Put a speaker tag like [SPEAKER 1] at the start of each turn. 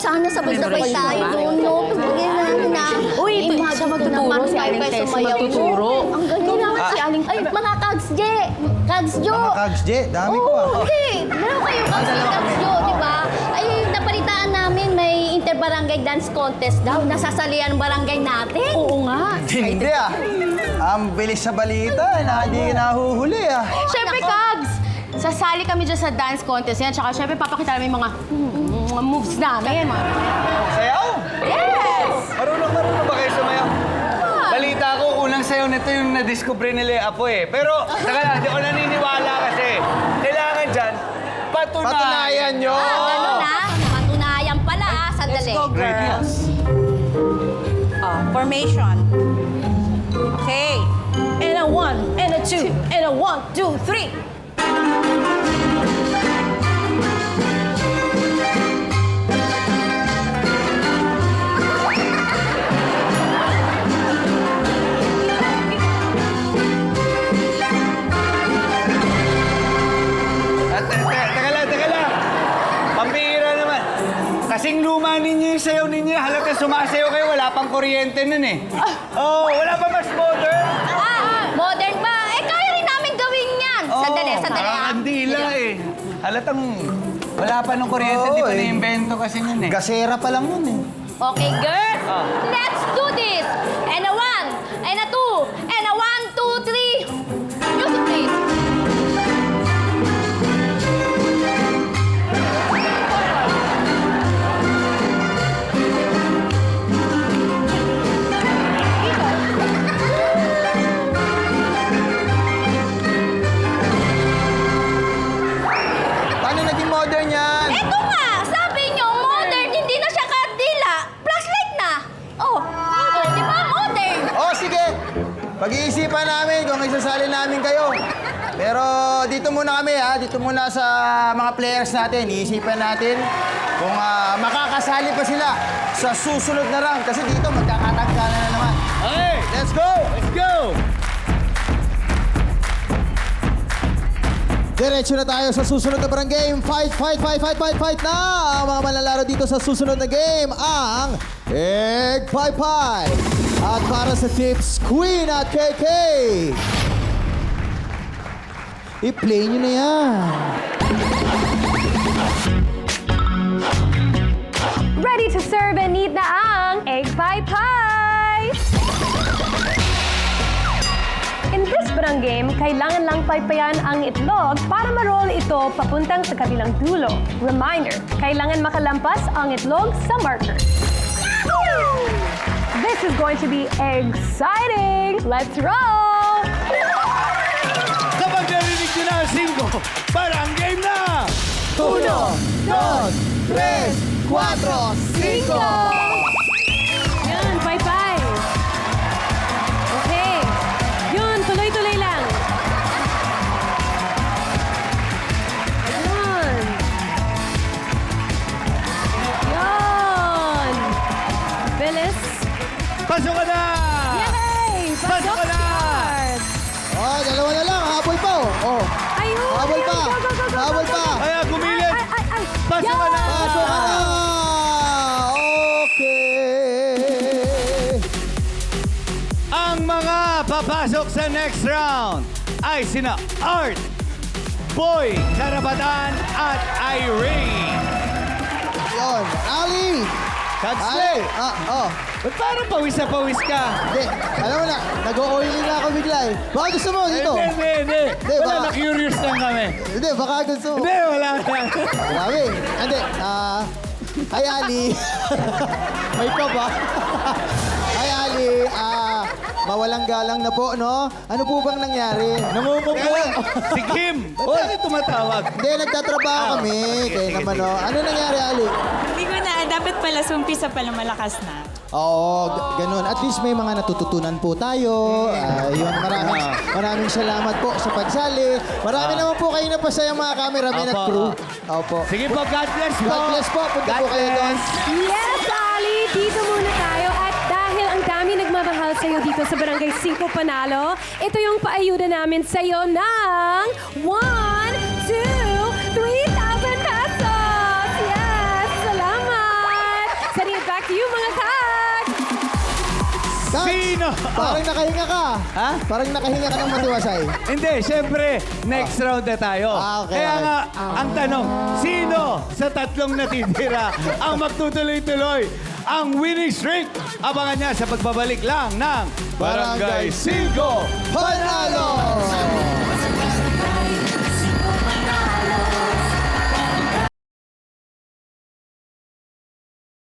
[SPEAKER 1] sana sabay-sabay tayo doon, no? Pagbigyan namin na.
[SPEAKER 2] Uy, siya magtuturo, si Aling Tess magtuturo.
[SPEAKER 1] Ang galing naman si Aling. Ay, mga Kags J! Kags Jo!
[SPEAKER 3] Mga Kags J, dami ko ah.
[SPEAKER 1] Hindi. Meron kayo Kags J, Kags Jo, di ba? Ay, napalitaan namin may inter-barangay dance contest daw. Nasasalihan ang barangay natin.
[SPEAKER 2] Oo nga.
[SPEAKER 3] Hindi ah. Ang bilis sa balita, hindi nahuhuli ah.
[SPEAKER 2] Siyempre, Kags! Sasali kami dyan sa dance contest yan. Tsaka siyempre, papakita namin yung mga moves namin.
[SPEAKER 4] Sayaw?
[SPEAKER 2] Yes!
[SPEAKER 4] Marunong ba kayo sumayaw? Balita ko, unang sayaw nito yung na-discover nila Apo eh. Pero, saka lang, hindi ko naniniwala kasi. Kailangan dyan, patunayan nyo.
[SPEAKER 1] Ano na? Matunayan pala, sandali.
[SPEAKER 5] Let's go, girls. Formation. Okay. And a 1, and a 2, and a 1, 2, 3.
[SPEAKER 4] Teka lang. Pambihira naman. Kasing luma ninyo yung sayaw ninyo. Halata sumasayaw kayo, wala pang kuryente nun eh. Oh, wala pa mas modern?
[SPEAKER 1] Modern ba? Eh, kaya rin namin gawin yan. Sandali, sandali.
[SPEAKER 4] Kandila eh. Halatang wala pa nung kuryente,
[SPEAKER 3] Oo,
[SPEAKER 4] di pa
[SPEAKER 3] eh.
[SPEAKER 4] na-invento kasi nun eh.
[SPEAKER 3] Gasera pa lang yun eh.
[SPEAKER 1] Okay, girls, let's do this. And a 1, and a 2, and a 1, 2, 3. Music, please.
[SPEAKER 3] Paano naging modern yan?
[SPEAKER 1] Eto nga, sabi nyo, modern, hindi na siya kandila. Flashlight na. Oh, di ba modern?
[SPEAKER 3] Oh, sige. Pag-iisipan namin kung isasali namin kayo. Pero dito muna kami ha, dito muna sa mga players natin. Iisipan natin kung makakasali pa sila sa susunod na round. Kasi dito magkakatanggalan na naman.
[SPEAKER 4] Okay,
[SPEAKER 3] Let's go!
[SPEAKER 4] let's go!
[SPEAKER 3] Diretso na tayo sa susunod na barang game. Fight na! Ang mga manlalaro dito sa susunod na game, ang Egg Pie Pie. At para sa tips, Queen at KK. I-play nyo na yan.
[SPEAKER 6] Ready to serve and eat na ang Egg Pie Pie! In this barang game, kailangan lang paypayan ang itlog para ma-roll ito papuntang sa kabilang dulo. Reminder, kailangan makalampas ang itlog sa marker. This is going to be exciting! Let's roll!
[SPEAKER 4] Kapag narinig nyo na ang 5, parang game na!
[SPEAKER 3] 1, 2, 3, 4, 5.
[SPEAKER 6] Yan, bye-bye! Okay. Yun, tuloy-tuloy lang. Yun. Yun. Bilis.
[SPEAKER 4] Pasok ka na!
[SPEAKER 6] Yay!
[SPEAKER 4] Pasok ka na!
[SPEAKER 6] Yard.
[SPEAKER 3] Oh, dalawa na lang. Habol pa oh.
[SPEAKER 6] Ayun!
[SPEAKER 3] Habol pa!
[SPEAKER 6] Go, go, go, go,
[SPEAKER 3] Habol
[SPEAKER 6] go,
[SPEAKER 3] pa!
[SPEAKER 6] go.
[SPEAKER 4] Kaya gumilit!
[SPEAKER 6] Ay!
[SPEAKER 4] Pasok ka na!
[SPEAKER 3] Pasok ka na! Okay.
[SPEAKER 4] Ang mga papasok sa next round ay sina Art, Boy, Karabatan at Irene.
[SPEAKER 3] Yun. Ali!
[SPEAKER 4] Kagsley! Ba't parang pawis na pawis ka?
[SPEAKER 3] Hindi, alam mo na, nag-o-oily na ako bigla eh. Baka gusto mo dito?
[SPEAKER 4] Hindi. Wala,
[SPEAKER 3] baka-
[SPEAKER 4] na-curious lang kami.
[SPEAKER 3] Hindi, baka gusto mo.
[SPEAKER 4] Hindi, wala na.
[SPEAKER 3] Grabe. Hindi, hi Ali. May pa ba? Hi Ali, mawalang galang na po, no? Ano po bang nangyari?
[SPEAKER 4] Namumuko. Si Kim. Ba't tayo tumatawag?
[SPEAKER 3] Hindi, nagtatrabaho kami. Kaya
[SPEAKER 4] sige,
[SPEAKER 3] naman, no? Ano nangyari, Ali?
[SPEAKER 7] Hindi ko na, dapat pala sumpisa pala malakas na.
[SPEAKER 3] Oo, ganun. At least may mga natututunan po tayo. Yun, maraming salamat po sa pagsali. Marami naman po kayo napasaya mga cameraman at
[SPEAKER 4] Opo.
[SPEAKER 3] crew. Opo.
[SPEAKER 4] Sige po, God bless po.
[SPEAKER 3] God bless po. Punta po kayo doon.
[SPEAKER 6] Yes, Ali! Dito muna tayo. At dahil ang dami nagmamahal sa'yo dito sa Barangay 5 Panalo, ito yung paayuda namin sa'yo ng 1, 2, 3,000 pesos! Yes! Salamat!
[SPEAKER 4] Sino?
[SPEAKER 3] Parang nakahinga ka.
[SPEAKER 4] Ha?
[SPEAKER 3] Parang nakahinga ka ng matiwasay.
[SPEAKER 4] Hindi, syempre, next round na tayo.
[SPEAKER 3] Okay,
[SPEAKER 4] Kaya
[SPEAKER 3] okay.
[SPEAKER 4] nga, ang tanong, sino sa tatlong natitira ang magtutuloy-tuloy ang winning streak? Abangan niya sa pagbabalik lang ng Barangay 5
[SPEAKER 3] Panalo!